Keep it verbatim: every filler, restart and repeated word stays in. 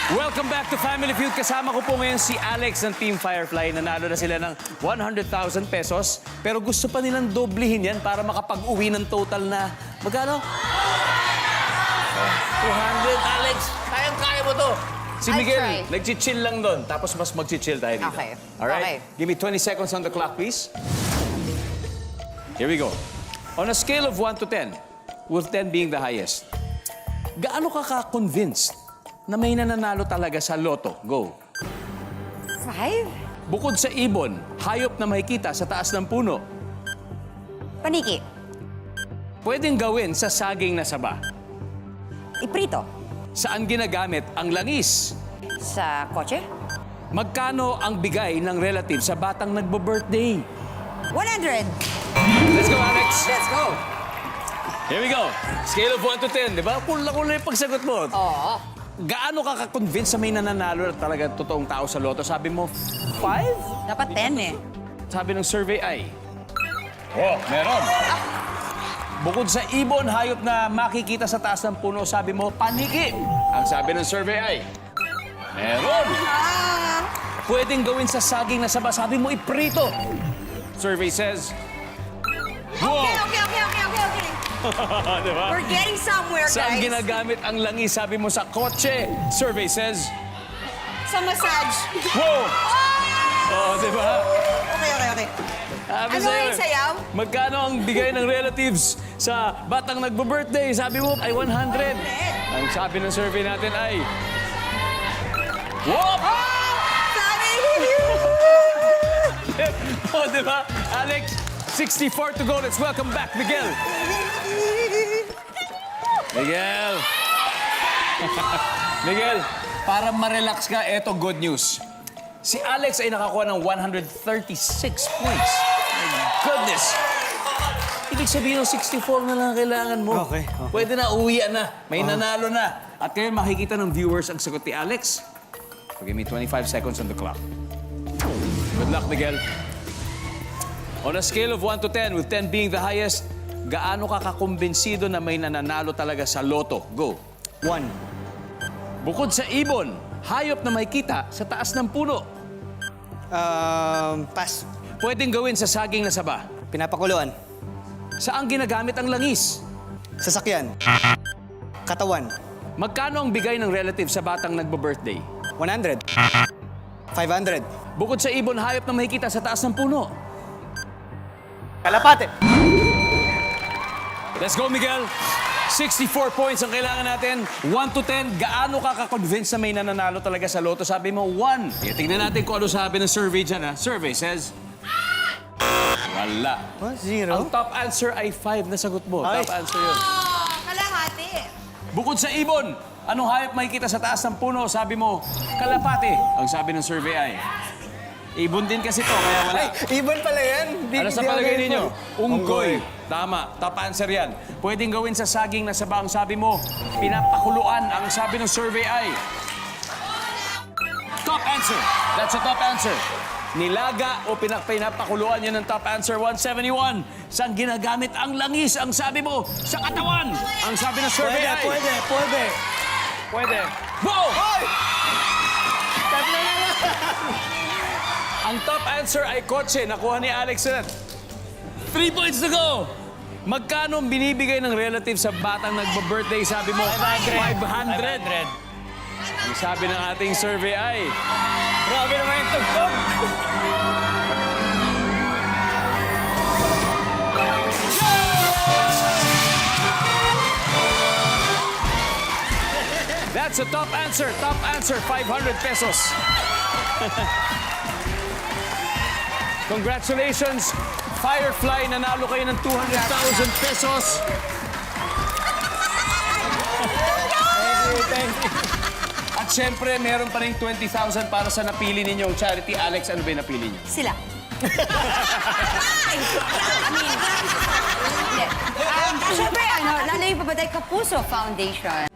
Welcome back to Family Feud. Kasama ko po ngayon si Alex ng Team Firefly. Nanalo na sila ng one hundred thousand pesos. Pero gusto pa nilang doblehin yan para makapag-uwi ng total na... Magkano? two hundred, Alex. Kayang-kaya mo to. Si I'll Miguel, try. nag-chill lang doon. Tapos mas mag-chill tayo dito. Okay. Alright? Okay. Give me twenty seconds on the clock, please. Here we go. On a scale of one to ten, with ten being the highest, gaano ka ka-convinced na may nananalo talaga sa loto? Go. Five? Bukod sa ibon, hayop na makikita sa taas ng puno, Paniki. pwedeng gawin sa saging na saba. Iprito. Saan ginagamit ang langis? Sa kotse? Magkano ang bigay ng relative sa batang nagbo-birthday? one hundred. Let's go, Alex. Let's go. Here we go. Scale of one to ten, di ba? Kula-kula yung pagsagot mo. Oo. Gaano ka ka-convince sa may nananalo na talaga totoong tao sa loto? Sabi mo, five? Dapat ten eh. Sabi ng survey ay... Oh, meron. Bukod sa ibon, hayop na makikita sa taas ng puno, sabi mo, paniki. Ang sabi ng survey ay... Meron. Ah! Pwedeng gawin sa saging na saba, sabi mo, iprito. Survey says... Wow! Okay, okay, okay, okay, okay, okay. Diba? We're getting somewhere, Saan guys. ginagamit ang langis? Sabi mo sa kotse. Survey says... Sa massage. Wow! Ah! Oh, di ba? Okay, okay, okay. Sabi Ano sa'yo, yung sayaw? magkano ang bigay ng relatives sa batang nagbo-birthday? Sabi mo ay one hundred. Ang sabi ng survey natin ay... Whoop! Sabi! Oh, di ba? Alex, sixty-four to go. Let's welcome back Miguel. Miguel. Miguel, para ma-relax ka, eto good news. Si Alex ay nakakuha ng one hundred thirty-six points. My goodness. Ibig sabihin ng sixty-four na lang ang kailangan mo. Okay, okay. Pwede na, uwian na. May nanalo na. At ngayon makikita ng viewers ang sagot ni Alex. So give me twenty-five seconds on the clock. Good luck, Miguel. On a scale of one to ten, with ten being the highest, gaano ka kakumbinsido na may nananalo talaga sa loto? Go. One. Bukod sa ibon, hayop na makikita sa taas ng puno, Um, pass. pwedeng gawin sa saging na saba. Pinapakuluan. Saan ginagamit ang langis? Sasakyan. Katawan. Magkano ang bigay ng relative sa batang nagbo-birthday? one hundred. five hundred. Bukod sa ibon, hayop na makikita sa taas ng puno. Kalapate. Let's go, Miguel. sixty-four points ang kailangan natin. one to ten, gaano ka ka-convince na may nananalo talaga sa loto? Sabi mo, one. Kaya tingnan natin kung ano sabi ng survey dyan, ha? Survey says... Wala. What? Zero? Ang top answer ay five na sagot mo. Ay. Top answer yun. Oh, kalahati. Bukod sa ibon, anong hayop makikita sa taas ng puno? Sabi mo, kalapate. Ang sabi ng survey ay... Ibon din kasi to, kaya wala. Ay, ibon pala yan. Di, Ano sa di ako palagay ganun. ninyo? Unggoy. Unggoy. Tama. Top answer yan. Pwedeng gawin sa saging na saba. Ang sabi mo, pinapakuluan. Ang sabi ng survey ay... Top answer. That's a top answer. Nilaga o pinak pinapakuluan, yan ang top answer. one seventy-one. Saan ginagamit ang langis? Ang sabi mo, sa katawan. Ang sabi ng survey Pwede, ay... pwede, pwede. Pwede. Wow! Hoy! Tatlo na lang. Ang top answer ay kotse. Nakuha ni Alex yun. Three points to go. Magkano ang binibigay ng relative sa batang nagbo-birthday? Sabi mo, five hundred. Ang sabi ng ating survey ay... Grabe naman yung tugtog. That's a top answer. Top answer, five hundred pesos. Congratulations, Firefly. Nanalo kayo ng two hundred thousand pesos. Thank you, thank you. At syempre, meron pa rin twenty thousand para sa napili ninyong charity. Alex, ano ba yung napili niyo? Sila. Ay! I mean, hindi. Um, Siyempre, ano, lalo yung Pabaday Kapuso Foundation.